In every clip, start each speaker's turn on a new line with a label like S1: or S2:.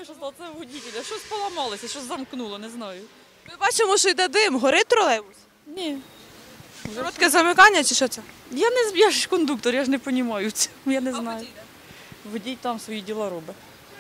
S1: знаю, що стало, це водителя. Щось поламалося, щось замкнуло, не знаю.
S2: Ми бачимо, що йде дим. Горить тролейбус?
S1: Ні.
S2: Коротке замикання чи що це?
S1: Я ж кондуктор, я ж не розумію цього, я не знаю. Водій там свої діла робить.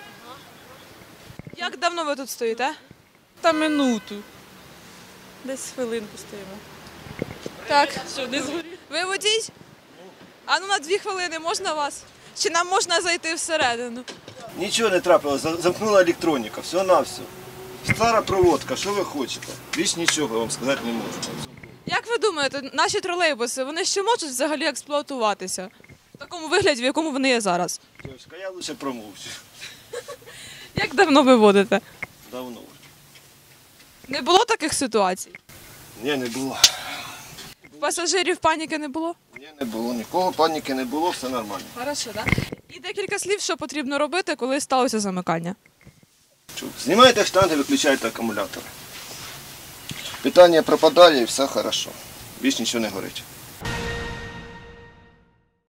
S2: Як давно ви тут стоїте?
S1: Та минуту. Десь хвилинку стоїмо.
S2: Так.
S1: Що, не згорів?
S2: Ви водій? А ну на 2 хвилини можна вас? Чи нам можна зайти всередину?
S3: Нічого не трапилося, замкнула електроніка, все-на-все. Стара проводка, що ви хочете? Більш нічого я вам сказати не можу.
S2: Як ви думаєте, наші тролейбуси, вони ще можуть взагалі експлуатуватися? В такому вигляді, в якому вони є зараз?
S3: Дівчинка, я лише промовчу.
S2: Як давно ви водите?
S3: Давно.
S2: Не було таких ситуацій?
S3: Ні, не було.
S2: В пасажирів паніки не було?
S3: Ні, не було. Нікого паніки не було, все нормально.
S2: Хорошо, так? І декілька слів, що потрібно робити, коли сталося замикання.
S3: Чув. Знімаєте штанги, виключаєте акумулятор. Питання пропадає і все хорошо. Більш нічого не горить.